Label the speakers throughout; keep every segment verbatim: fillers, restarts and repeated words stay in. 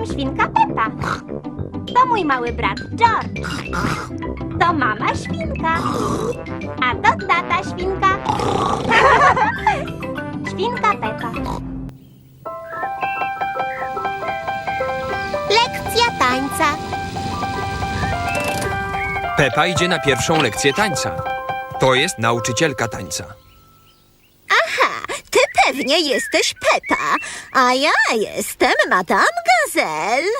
Speaker 1: jestem świnka Pepa. To mój mały brat George. To mama świnka. A to tata świnka. Świnka Pepa. Lekcja tańca.
Speaker 2: Pepa idzie na pierwszą lekcję tańca. To jest nauczycielka tańca.
Speaker 3: Aha, ty pewnie jesteś Pepa, a ja jestem Madame Gazelle.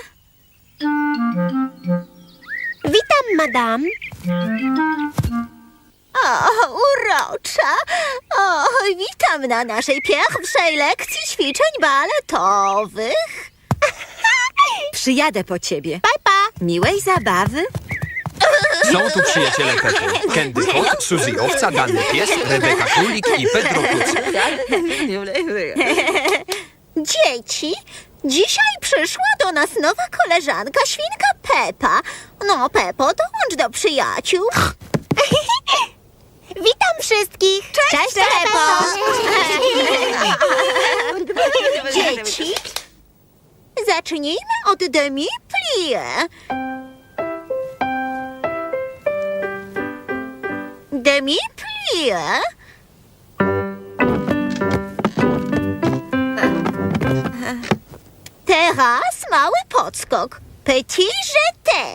Speaker 1: Witam, madam.
Speaker 3: O, urocza. O, witam na naszej pierwszej lekcji ćwiczeń baletowych. Przyjadę po ciebie.
Speaker 1: Pepa.
Speaker 3: Miłej zabawy.
Speaker 2: Są tu przyjaciele Pepy. Candy Kot, Suzy Owca, Danny Pies, Rebeka Królik i Pedro Kucyk.
Speaker 3: Dzieci, dzisiaj przyszła do nas nowa koleżanka, świnka Pepa. No, Pepo, dołącz do przyjaciół.
Speaker 1: Witam wszystkich.
Speaker 3: Cześć, Pepo. Dzieci, zacznijmy od demi-plie. Demi-plie. Teraz mały podskok. Petit jeté.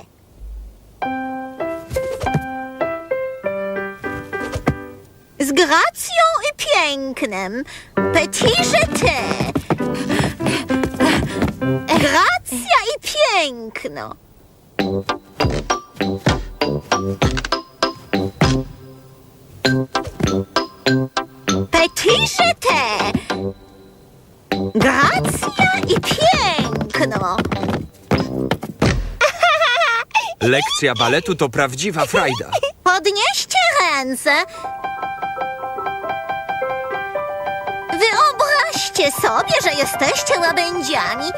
Speaker 3: Z gracją i pięknem. Petit jeté. Gracja i piękno. Petit jeté. Gracja i piękno.
Speaker 2: Lekcja baletu to prawdziwa frajda.
Speaker 3: Podnieście ręce. Wyobraźcie sobie, że jesteście łabędziami.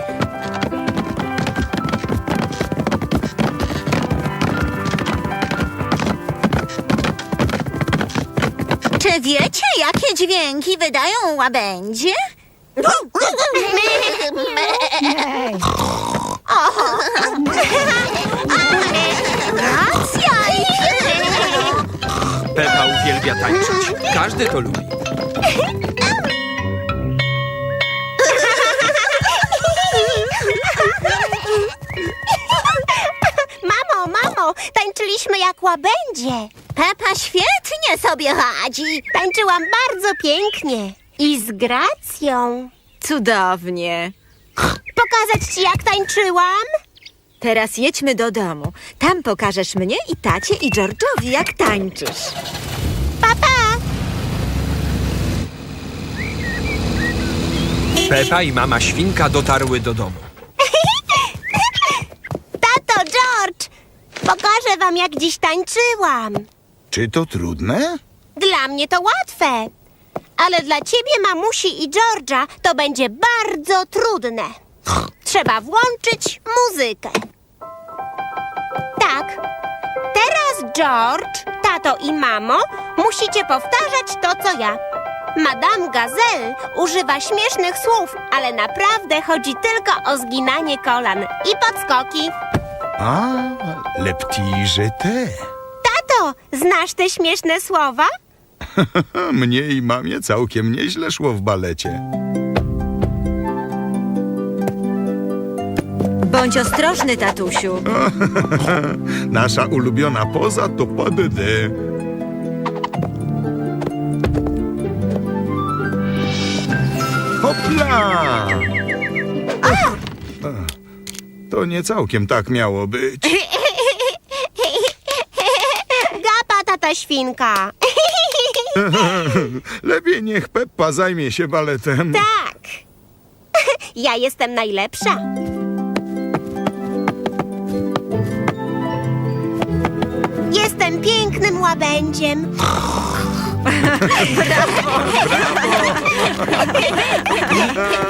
Speaker 3: Czy wiecie, jakie dźwięki wydają łabędzie? Oho. Racja i piękno.
Speaker 2: Pepa uwielbia tańczyć. Każdy to lubi.
Speaker 1: Mamo, mamo, tańczyliśmy jak łabędzie.
Speaker 3: Pepa świetnie sobie radzi.
Speaker 1: Tańczyłam bardzo pięknie i z gracją.
Speaker 3: Cudownie.
Speaker 1: Pokazać ci, jak tańczyłam?
Speaker 3: Teraz jedźmy do domu. Tam pokażesz mnie i tacie i George'owi, jak tańczysz.
Speaker 1: Papa!
Speaker 2: Pepa i mama świnka dotarły do domu.
Speaker 1: Tato, George! Pokażę wam, jak dziś tańczyłam.
Speaker 4: Czy to trudne?
Speaker 1: Dla mnie to łatwe. Ale dla ciebie, mamusi i George'a, to będzie bardzo trudne. Trzeba włączyć muzykę. Tak. Teraz George, tato i mamo, musicie powtarzać to, co ja. Madame Gazelle używa śmiesznych słów, ale naprawdę chodzi tylko o zginanie kolan i podskoki.
Speaker 4: A, le petit jeté.
Speaker 1: Tato, znasz te śmieszne słowa?
Speaker 4: Mnie i mamie całkiem nieźle szło w balecie.
Speaker 3: Bądź ostrożny, tatusiu.
Speaker 4: Nasza ulubiona poza to pas de deux. Hopla! A, to nie całkiem tak miało być.
Speaker 1: Gapa, tata świnka.
Speaker 4: Lepiej niech Peppa zajmie się baletem.
Speaker 1: Tak. Ja jestem najlepsza. Jestem pięknym łabędziem.
Speaker 4: Brawo!